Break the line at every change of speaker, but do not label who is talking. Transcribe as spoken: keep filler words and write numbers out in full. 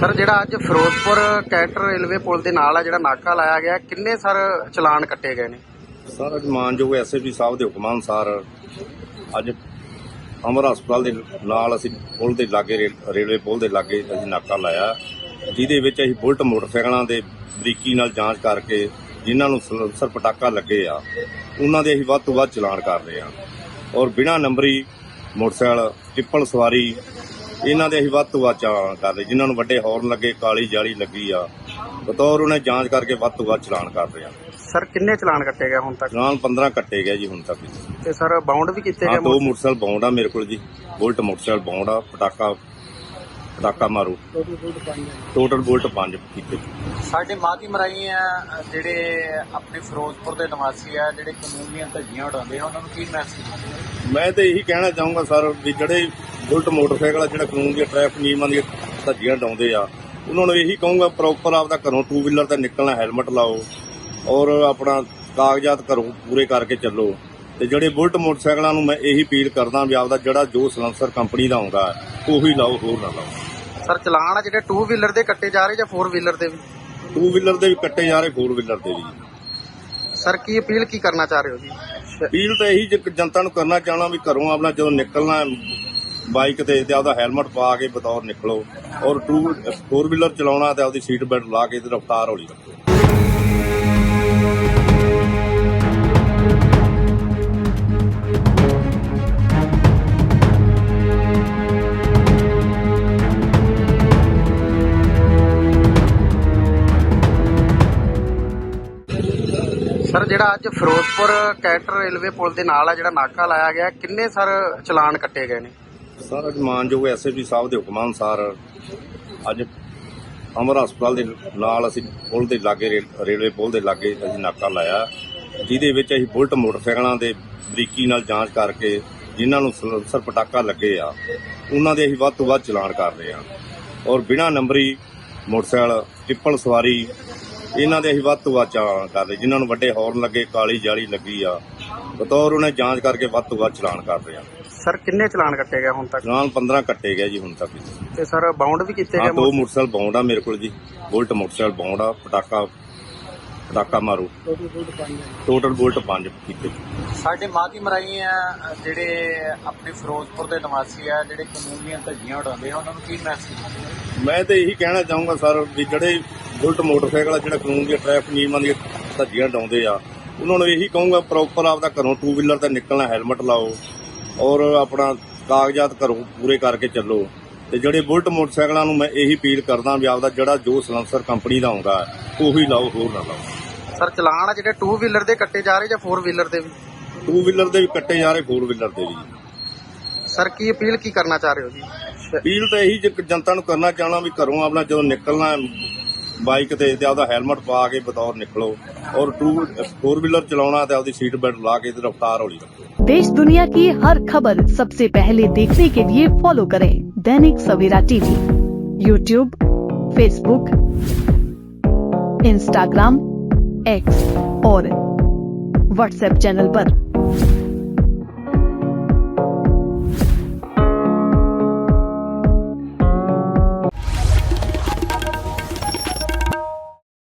Sir ਜਿਹੜਾ ਅੱਜ Firozpur canter railway ਪੁਲ ਦੇ ਨਾਲ ਆ ਜਿਹੜਾ ਨਾਕਾ ਲਾਇਆ ਗਿਆ, ਕਿੰਨੇ ਸਰ ਚਲਾਨ ਕੱਟੇ ਗਏ ਨੇ?
ਸਰ ਅੱਜ ਮਾਨਯੋਗ ਐਸ ਐਸ ਪੀ ਸਾਹਿਬ ਦੇ ਹੁਕਮਾਂ ਅਨੁਸਾਰ ਅੱਜ ਅਮਰ ਹਸਪਤਾਲ ਦੇ ਨਾਲ ਅਸੀਂ ਪੁਲ ਦੇ ਲਾਗੇ ਰੇਲ- ਰੇਲਵੇ ਪੁਲ ਦੇ ਲਾਗੇ ਅਸੀਂ ਨਾਕਾ ਲਾਇਆ, ਜਿਹਦੇ ਵਿੱਚ ਅਸੀਂ ਬੁਲਟ ਮੋਟਰਸਾਈਕਲਾਂ ਦੇ ਬਰੀਕੀ ਨਾਲ ਜਾਂਚ ਕਰਕੇ ਜਿਨ੍ਹਾਂ ਨੂੰ ਸਲੈਂਸਰ ਪਟਾਕਾ ਲੱਗੇ ਆ ਉਹਨਾਂ ਦੇ ਅਸੀਂ ਵੱਧ ਤੋਂ ਵੱਧ ਚਲਾਨ ਕਰ ਰਹੇ ਹਾਂ। ਔਰ ਬਿਨਾਂ ਨੰਬਰੀ ਮੋਟਰਸਾਈਕਲ ਟਿੱਪਲ ਸਵਾਰੀ ਇਹਨਾਂ ਦੇ ਅਸੀਂ ਵੱਧ ਤੋਂ ਵੱਧ ਚਲਾਨ ਕਰ ਰਹੇ, ਜਿਨ੍ਹਾਂ ਨੂੰ ਵੱਡੇ ਹੌਰਨ ਲੱਗੇ, ਕਾਲੀ ਜਾਲੀ ਲੱਗੀ ਆ, ਬਤੌਰ ਉਹਨੇ ਜਾਂਚ ਕਰਕੇ ਵੱਧ ਤੋਂ ਵੱਧ ਚਲਾਨ ਕਰ ਰਹੇ ਆ।
ਸਰ ਕਿੰਨੇ ਚਲਾਨ ਕੱਟੇ ਗਏ ਹੁਣ ਤੱਕ?
ਚਲਾਨ ਪੰਦਰਾਂ ਕੱਟੇ ਗਏ ਜੀ ਹੁਣ ਤੱਕ।
ਤੇ ਸਰ ਬਾਉਂਡ ਵੀ ਕੀਤੇ
ਹਾਂ,
ਗਏ?
ਦੋ ਮੋਟਰਸਾਈਕਲ ਬਾਉਂਡ ਆ ਮੇਰੇ ਕੋਲ ਜੀ, ਬੁਲਟ ਮੋਟਰਸਾਈਕਲ ਬਾਉਂਡ ਆ, ਪਟਾਕਾ ਪਟਾਕਾ ਮਾਰੂ, ਟੋਟਲ ਬੁਲਟ ਪੰਜ ਕੀਤੇ।
ਸਾਡੇ ਮਾਧੀ ਮਰਾਈ ਆ ਜਿਹੜੇ ਆਪਣੇ ਫਿਰੋਜ਼ਪੁਰ ਦੇ ਨਿਵਾਸੀ ਆ ਜਿਹੜੇ ਕਾਨੂੰਨ ਦੀਆਂ ਧੱਜੀਆਂ ਉਡਾਉਂਦੇ ਆ, ਉਹਨਾਂ ਨੂੰ ਕੀ ਮੈਸੇਜ?
ਮੈਂ ਤਾਂ ਇਹੀ ਕਹਿਣਾ ਚਾਹੂੰਗਾ ਸਰ ਵੀ ਜਿਹੜੇ ਬੁਲਟ ਮੋਟਰਸਾਈਕਲ ਆ ਜਿਹੜਾ ਕਾਨੂੰਨ ਦੀਆਂ ਟ੍ਰੈਫਿਕ ਨਿਯਮਾਂ ਦੀਆਂ ਧੱਜੀਆਂ ਉਡਾਉਂਦੇ ਆ, ਉਹਨਾਂ ਨੂੰ ਇਹੀ ਕਹੂੰਗਾ ਪ੍ਰੋਪਰ ਆਪਦਾ ਘਰੋਂ ਟੂ ਵੀਲਰ ਤੇ ਨਿਕਲਣਾ ਹੈਲਮਟ ਲਾਓ ਔਰ ਆਪਣਾ ਕਾਗਜ਼ਾਤ ਘਰੋਂ ਪੂਰੇ ਕਰਕੇ ਚੱਲੋ। ਤੇ ਜਿਹੜੇ ਬੁਲਟ ਮੋਟਰਸਾਈਕਲਾਂ ਨੂੰ ਮੈਂ ਇਹੀ ਅਪੀਲ ਕਰਦਾ ਵੀ ਆਪਦਾ ਜਿਹੜਾ ਜੋ ਸਲੈਂਸਰ ਕੰਪਨੀ ਦਾ ਆਉਂਦਾ ਉਹੀ ਲਾਓ, ਹੋਰ ਨਾ ਲਾਓ।
ਸਰ ਚਲਾਨ ਆ ਜਿਹੜੇ ਟੂ ਵੀਲਰ ਦੇ ਕੱਟੇ ਜਾ ਰਹੇ ਜਾਂ ਫੋਰ ਵੀਲਰ ਦੇ ਵੀ?
ਟੂ ਵੀਲਰ ਦੇ ਵੀ ਕੱਟੇ ਜਾ ਰਹੇ, ਫੋਰ ਵੀਲਰ ਦੇ ਵੀ।
ਸਰ ਕੀ ਅਪੀਲ ਕੀ ਕਰਨਾ ਚਾਹ ਰਹੇ ਹੋ ਜੀ?
ਅਪੀਲ ਤਾਂ ਇਹੀ ਜੇ ਜਨਤਾ ਨੂੰ ਕਰਨਾ ਚਾਹਣਾ ਵੀ ਘਰੋਂ ਆਪਣਾ ਜਦੋਂ ਨਿਕਲਣਾ ਹੈ ਬਾਈਕ ਤੇ ਤੇ ਆਪਦਾ ਹੈਲਮਟ ਪਾ ਕੇ ਬਤੌਰ ਨਿਕਲੋ, ਔਰ ਟੂ ਫੋਰ ਵੀਲਰ ਚਲਾਉਣਾ ਤੇ ਆਪਦੀ ਸੀਟ ਬੈਲਟ ਲਾ ਕੇ ਤੇ ਰਫ਼ਤਾਰ ਹੌਲੀ ਰੱਖੋ।
ਸਰ ਜਿਹੜਾ ਅੱਜ ਫਿਰੋਜ਼ਪੁਰ ਕੈਂਟਰ ਰੇਲਵੇ ਪੁਲ ਦੇ ਨਾਲ ਆ ਜਿਹੜਾ ਨਾਕਾ ਲਾਇਆ ਗਿਆ, ਕਿੰਨੇ ਸਰ ਚਲਾਨ ਕੱਟੇ ਗਏ ਨੇ?
ਸਰ ਅੱਜ ਮਾਨਯੋਗ ਐਸ ਐਸ ਪੀ ਸਾਹਿਬ ਦੇ ਹੁਕਮਾਂ ਅਨੁਸਾਰ ਅੱਜ ਅਮਰ ਹਸਪਤਾਲ ਦੇ ਨਾਲ ਅਸੀਂ ਪੁਲ ਦੇ ਲਾਗੇ ਰੇਲ- ਰੇਲਵੇ ਪੁਲ ਦੇ ਲਾਗੇ ਅਸੀਂ ਨਾਕਾ ਲਾਇਆ, ਜਿਹਦੇ ਵਿੱਚ ਅਸੀਂ ਬੁਲਟ ਮੋਟਰਸਾਈਕਲਾਂ ਦੇ ਬਰੀਕੀ ਨਾਲ ਜਾਂਚ ਕਰਕੇ ਜਿਨ੍ਹਾਂ ਨੂੰ ਸਲੈਂਸਰ ਪਟਾਕਾ ਲੱਗੇ ਆ ਉਹਨਾਂ ਦੇ ਅਸੀਂ ਵੱਧ ਤੋਂ ਵੱਧ ਚਲਾਨ ਕਰ ਰਹੇ ਹਾਂ। ਔਰ ਬਿਨਾਂ ਨੰਬਰੀ ਮੋਟਰਸਾਈਕਲ ਟਿੱਪਲ ਸਵਾਰੀ ਇਹਨਾਂ ਦੇ ਅਸੀਂ ਵੱਧ ਤੋਂ ਵੱਧ ਚਲਾਨ ਕਰ ਰਹੇ, ਜਿਨ੍ਹਾਂ ਨੂੰ ਵੱਡੇ ਹੌਰਨ ਲੱਗੇ, ਕਾਲੀ ਜਾਲੀ ਲੱਗੀ ਆ, ਬਤੌਰ ਉਹਨੇ ਜਾਂਚ ਕਰਕੇ ਵੱਧ ਤੋਂ ਵੱਧ ਚਲਾਨ ਕਰ ਰਹੇ ਆ।
ਸਰ ਕਿੰਨੇ ਚਲਾਨ ਕੱਟੇ ਗਏ ਹੁਣ ਤੱਕ?
ਚਲਾਨ ਪੰਦਰਾਂ ਕੱਟੇ ਗਏ ਜੀ ਹੁਣ ਤੱਕ।
ਤੇ ਸਰ ਬਾਉਂਡ ਵੀ ਕੀਤੇ
ਹਾਂ,
ਗਏ?
ਦੋ ਮੋਟਰਸਾਈਕਲ ਬਾਉਂਡ ਆ ਮੇਰੇ ਕੋਲ ਜੀ, ਬੁਲਟ ਮੋਟਰਸਾਈਕਲ ਬਾਉਂਡ ਆ, ਪਟਾਕਾ ਪਟਾਕਾ ਮਾਰੂ, ਟੋਟਲ ਬੁਲਟ ਪੰਜ ਕੀਤੇ।
ਸਾਡੇ ਮਾਧੀ ਮਰਾਈ ਆ ਜਿਹੜੇ ਆਪਣੇ ਫਿਰੋਜ਼ਪੁਰ ਦੇ ਨਿਵਾਸੀ ਆ ਜਿਹੜੇ ਕਾਨੂੰਨ ਦੀਆਂ ਧੱਜੀਆਂ ਉਡਾਉਂਦੇ ਆ, ਉਹਨਾਂ ਨੂੰ ਕੀ ਮੈਸੇਜ?
ਮੈਂ ਤਾਂ ਇਹੀ ਕਹਿਣਾ ਚਾਹੂੰਗਾ ਸਰ ਵੀ ਜਿਹੜੇ ਬੁਲਟ ਮੋਟਰਸਾਈਕਲ ਆ ਜਿਹੜਾ ਕਾਨੂੰਨ ਦੀਆਂ ਟ੍ਰੈਫਿਕ ਨਿਯਮਾਂ ਦੀਆਂ ਧੱਜੀਆਂ ਉਡਾਉਂਦੇ ਆ, ਉਹਨਾਂ ਨੂੰ ਇਹੀ ਕਹੂੰਗਾ ਪ੍ਰੋਪਰ ਆਪਦਾ ਘਰੋਂ ਟੂ ਵੀਲਰ ਤੇ ਨਿਕਲਣਾ ਹੈਲਮਟ ਲਾਓ ਔਰ ਆਪਣਾ ਕਾਗਜ਼ਾਤ ਘਰੋਂ ਪੂਰੇ ਕਰਕੇ ਚੱਲੋ। ਤੇ ਜਿਹੜੇ ਬੁਲਟ ਮੋਟਰਸਾਈਕਲਾਂ ਨੂੰ ਮੈਂ ਇਹੀ ਅਪੀਲ ਕਰਦਾ ਵੀ ਆਪਦਾ ਜਿਹੜਾ ਜੋ ਸਲੈਂਸਰ ਕੰਪਨੀ ਦਾ ਆਉਂਦਾ ਉਹੀ ਲਾਓ, ਹੋਰ ਨਾ ਲਾਓ।
ਸਰ ਚਲਾਨ ਆ ਜਿਹੜੇ ਟੂ ਵੀਲਰ ਦੇ ਕੱਟੇ ਜਾ ਰਹੇ ਜਾਂ ਫੋਰ ਵੀਲਰ ਦੇ ਵੀ?
ਟੂ ਵੀਲਰ ਦੇ ਵੀ ਕੱਟੇ ਜਾ ਰਹੇ, ਫੋਰ ਵੀਲਰ ਦੇ ਵੀ।
ਸਰ ਕੀ ਅਪੀਲ ਕੀ ਕਰਨਾ ਚਾਹ ਰਹੇ ਹੋ ਜੀ?
ਅਪੀਲ ਤਾਂ ਇਹੀ ਜੇ ਜਨਤਾ ਨੂੰ ਕਰਨਾ ਚਾਹਣਾ ਵੀ ਘਰੋਂ ਆਪਣਾ ਜਦੋਂ ਨਿਕਲਣਾ ਹੈ ਬਾਈਕ ਤੇ ਤੇ ਆਪਦਾ ਹੈਲਮਟ ਪਾ ਕੇ ਬਤੌਰ ਨਿਕਲੋ, ਔਰ ਟੂ ਫੋਰ ਵੀਲਰ ਚਲਾਉਣਾ ਤੇ ਆਪਦੀ ਸੀਟ ਬੈਲਟ ਲਾ ਕੇ ਤੇ ਰਫ਼ਤਾਰ ਹੌਲੀ ਰੱਖੋ।
देश दुनिया की हर खबर सबसे पहले देखने के लिए फॉलो करें Dainik Savera TV, YouTube, Facebook, Instagram, X और व्हाट्सएप चैनल पर।